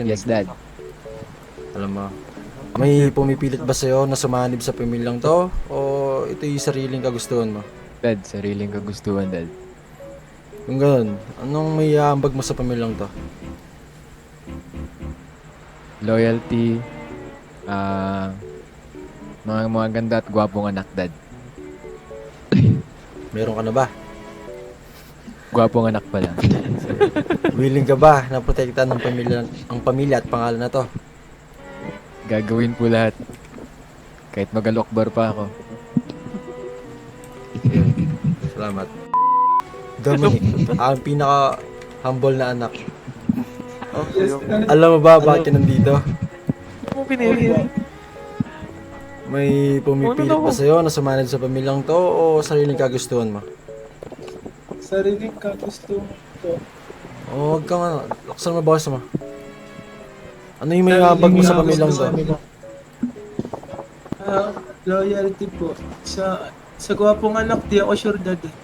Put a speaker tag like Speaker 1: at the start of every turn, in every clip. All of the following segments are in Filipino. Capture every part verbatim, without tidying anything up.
Speaker 1: Yes, Dad.
Speaker 2: Alam mo, may pumipilit ba sa'yo na sumanib sa pamilyang to? O ito'y sariling kagustuhan mo?
Speaker 1: Dad, sariling kagustuhan, Dad.
Speaker 2: Kung ganun, anong may aambag mo sa pamilyang to?
Speaker 1: Loyalty, ah, mga mga ganda at gwapong anak, Dad.
Speaker 2: Meron ka na ba?
Speaker 1: Gwapong anak pa lang.
Speaker 2: Willing ka ba na protektahan ng pamilya, ang pamilya at pangalan na to?
Speaker 1: Gagawin po lahat. Kahit magalokbar pa ako.
Speaker 2: Salamat. Dominic, ang pinaka-humble na anak. Alam mo ba bakit ka nandito?
Speaker 3: Ano pinili?
Speaker 2: May pumipilit ba sa'yo na sumanib sa pamilyang to o sariling kagustuhan mo?
Speaker 4: Sariling kagustuhan ko.
Speaker 2: O huwag kang ano, laksan mo boses mo. Ano yung may aambag mo sa pamilyang to?
Speaker 4: Ah, loyalty po. Sa sa gwapong anak, di ako sure dad eh.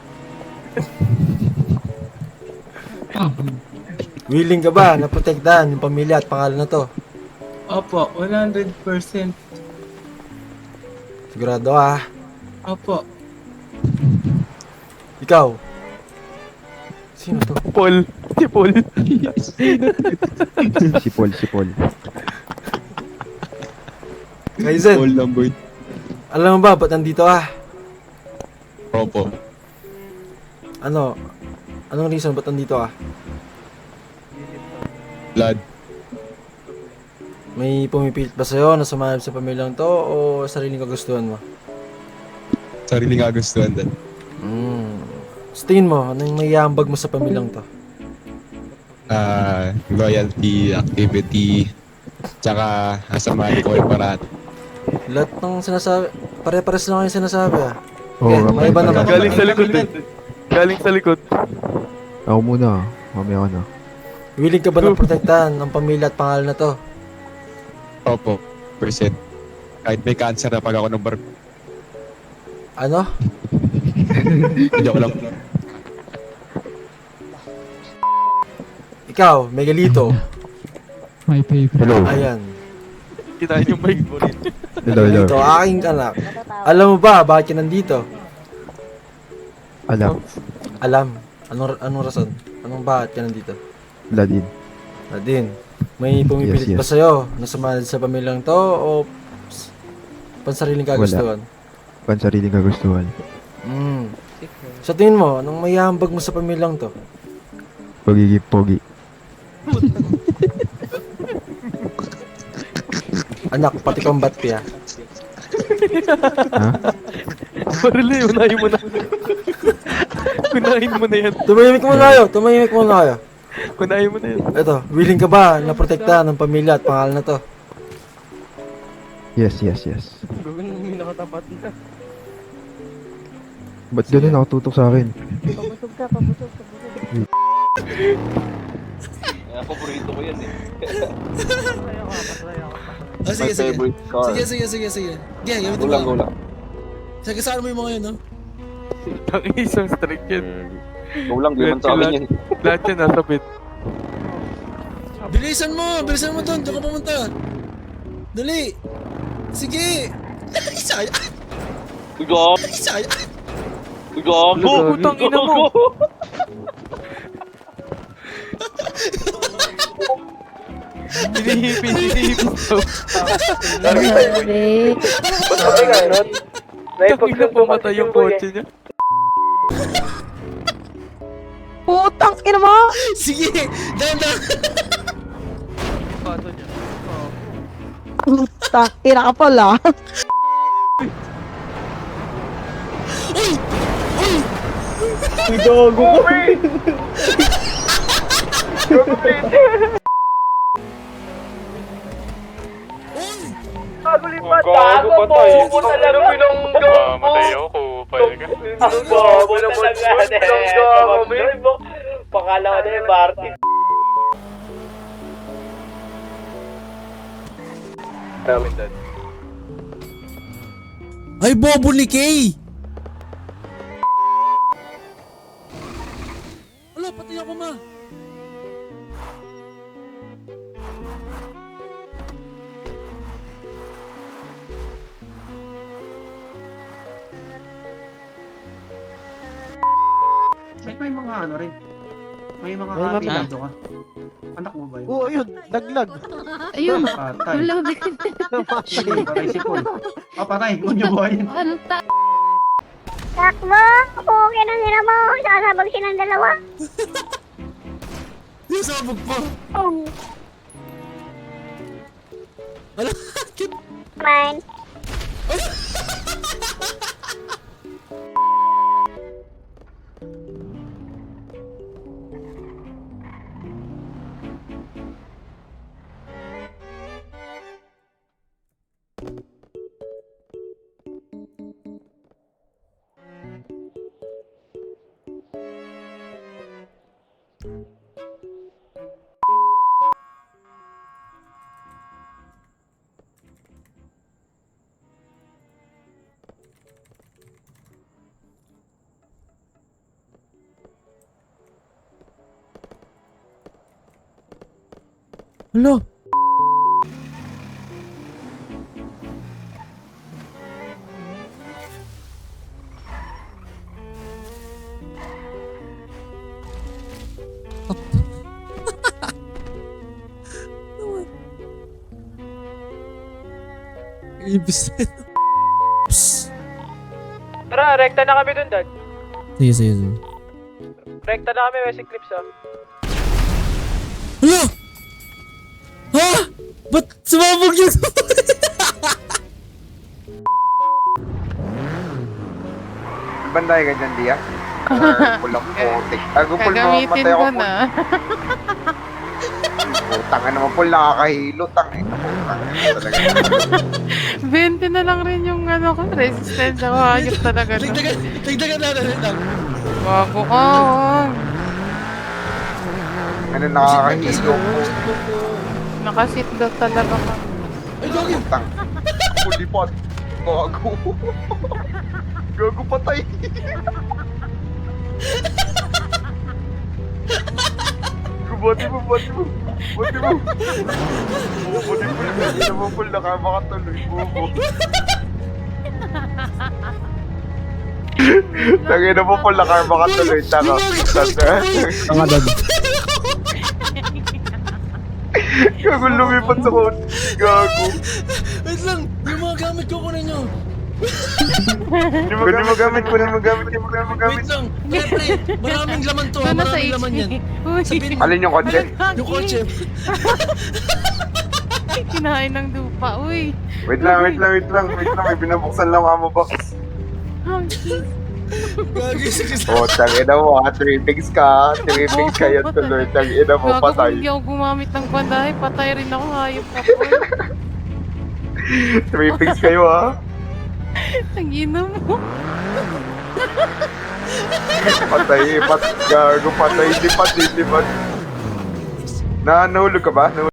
Speaker 2: Willing ka ba na protektahan yung pamilya at pangalan na to?
Speaker 4: Opo, one hundred percent.
Speaker 2: Sigurado ah.
Speaker 4: Opo.
Speaker 2: Ikaw. Sino to?
Speaker 3: Paul. Si Paul.
Speaker 5: Si Paul, si Paul.
Speaker 2: Kaizen,
Speaker 6: Paul Lamboy.
Speaker 2: alam mo ba ba't nandito ah?
Speaker 6: Opo.
Speaker 2: Ano? Anong reason ba't nandito ah?
Speaker 6: Blood.
Speaker 2: May pumipilit ba sa'yo na sumanib sa pamilyang to o sariling kagustuhan mo?
Speaker 6: Sariling kagustuhan din.
Speaker 2: Hmm. Sa tingin mo, ano yung may aambag mo sa pamilyang to?
Speaker 6: Ah, loyalty, activity, tsaka asamahan ko yung paraan.
Speaker 2: Lahat ng sinasabi, pare-pares lang yung sinasabi ah.
Speaker 5: Oo,
Speaker 2: Okay,
Speaker 5: nga
Speaker 2: may iba
Speaker 5: pala.
Speaker 2: naman.
Speaker 3: Galing sa likod din. Galing sa likod.
Speaker 5: Ako muna, mamaya ka na.
Speaker 2: Willing ka ba na protektahan ang pamilya at pangalan na to?
Speaker 6: Opo, percent. Kahit may cancer na pag ako ng bar...
Speaker 2: Ano?
Speaker 6: Hindi ako lang.
Speaker 2: Ikaw, Megalito.
Speaker 7: My favorite.
Speaker 5: Hello.
Speaker 2: Ayan.
Speaker 3: Kinain yung mic mo rin.
Speaker 5: Hello, hello.
Speaker 2: Ito, aking anak. Alam mo ba bakit ka nandito?
Speaker 5: Alam,
Speaker 2: Alam. Anong, anong rason? Anong bakit ka nandito?
Speaker 5: Vladin.
Speaker 2: Nadine, may pumipilit
Speaker 5: Yes, yes.
Speaker 2: ba sa'yo na sumanib sa pamilyang to o s- pansariling kagustuhan?
Speaker 5: Pansariling kagustuhan.
Speaker 2: Mm. Sa tingin mo, anong may hambag mo sa pamilyang to?
Speaker 5: Pagiging pogi.
Speaker 2: Anak, pati kang batpi ah.
Speaker 5: Ha?
Speaker 3: Marili, unahin mo na. Unahin mo na yan.
Speaker 2: Tumahimik muna kayo, tumahimik muna kayo.
Speaker 3: Unahin mo na yan.
Speaker 2: Ito, willing ka ba na protektahan ng pamilya at pangalan na to?
Speaker 5: Yes, yes, yes.
Speaker 3: Gawin mo yung nakatapat na.
Speaker 5: Ba't ganun nakatutok sa akin?
Speaker 8: Pabusog ka, pabusog, pabusog.
Speaker 9: Paborito ko yan eh.
Speaker 10: Oh, sige,
Speaker 9: My
Speaker 10: sige.
Speaker 9: favorite car.
Speaker 10: Sige, sige, sige, sige. Sige, gamitin
Speaker 9: Gulang,
Speaker 10: mo.
Speaker 9: gulang.
Speaker 10: Sige, saan mo yung mga yun, no?
Speaker 3: Ang isang strike yan.
Speaker 9: Gulang, di man sa akin yan.
Speaker 3: Lahat yan nasa bit.
Speaker 10: Bilisan mo! Bilisan mo doon! Diyan ka pumunta! Dali! Sige! Isaya!
Speaker 9: Gago!
Speaker 10: Isaya!
Speaker 9: Gago!
Speaker 3: Putang ina mo! Hinihipin, hinihipin daw.
Speaker 8: Grabe.
Speaker 3: Tangin na pumatay yung kotse niya.
Speaker 8: Putang ina mo!
Speaker 10: Sige! Down, down!
Speaker 3: Bato niya.
Speaker 8: Putang ina ka pala.
Speaker 10: Uy! Uy!
Speaker 9: Gago pa tayo. Gago talaga.
Speaker 3: Mamatay ako, pala ka.
Speaker 9: Ang bobo naman gago. Pakala ko na yung Martin.
Speaker 10: Ay, bobo ni Kay! Wala, pati ako ma!
Speaker 4: mga ano rin. May mga
Speaker 8: May mga-
Speaker 4: kapilado ka. Anak mo ba yun?
Speaker 8: Oo, yun. Daglag.
Speaker 11: Ayun.
Speaker 4: Patay.
Speaker 11: Wala din.
Speaker 4: Sige, patay si Paul. Ah, patay. Huwag niyo buhayin.
Speaker 11: Ano ta?
Speaker 9: Takbo! Okay na nila mo. Sasabag silang dalawa.
Speaker 10: Yung sabog pa.
Speaker 9: Oh.
Speaker 10: Ala,
Speaker 9: Mine.
Speaker 10: Hala. Ibis na. Psst.
Speaker 9: Tara, rekta na kami dun, Dad.
Speaker 10: Sige, sige, sige.
Speaker 9: Rekta na kami, West Eclipse, ah.
Speaker 10: Hala! Ha? Ba't sumabog yun?
Speaker 12: Banday ka dyan, Dia? Pulang putik. Ako, Pul, mamatay ako, Pul. Tanga naman, Pul, nakakahilo. Tanga ito, Pul. Talaga.
Speaker 11: twenty na lang rin yung ano ko. Resistance ako. Hayop talaga. na.
Speaker 10: Dagdagan, dagdagan na natin lang.
Speaker 11: Bago ka. wag.
Speaker 12: Ano, nakakahilo.
Speaker 11: Nakaseatbelt talaga ka.
Speaker 10: Ay, Gogi!
Speaker 12: Tang. Pulipot. Gago. Gago patay. Bati mo, bati mo. Bati mo. Bati mo. Hindi naman, Pul, nakamakatuloy. Bobo. Tangin na mo, Pul, nakamakatuloy. Tanga.
Speaker 5: Tanga dad.
Speaker 12: Gago, lumipat sa kotse. Gago.
Speaker 10: Wait lang! Yung mga gamit ko kunin nyo!
Speaker 12: Hindi mo gamit, pwede mo gamit, hindi mo gamit.
Speaker 10: Wait lang! Siyempre, maraming laman to ha,
Speaker 11: Doon na sa
Speaker 10: maraming laman yan.
Speaker 11: Uy.
Speaker 10: Sabihin mo,
Speaker 12: Alin yung kotse?
Speaker 10: yung kotse.
Speaker 11: Kinain ng dupa. Uy.
Speaker 12: Wait lang, wait lang, wait lang, wait lang. May binabuksan lang ako box.
Speaker 10: Gagi, sige sa...
Speaker 12: Oh, tangina mo ha. Three pigs ka. Three pigs ka yan tuloy. Tangina mo,
Speaker 11: Gago kung
Speaker 12: patay.
Speaker 11: hindi ako gumamit ng bandahe, patay rin ako. Hayop ka po.
Speaker 12: Three pigs kayo ha.
Speaker 11: Tangina mo.
Speaker 12: Patay, pat, gago, patay, lipat, lipat. Na, nahulog ka ba? Nahulog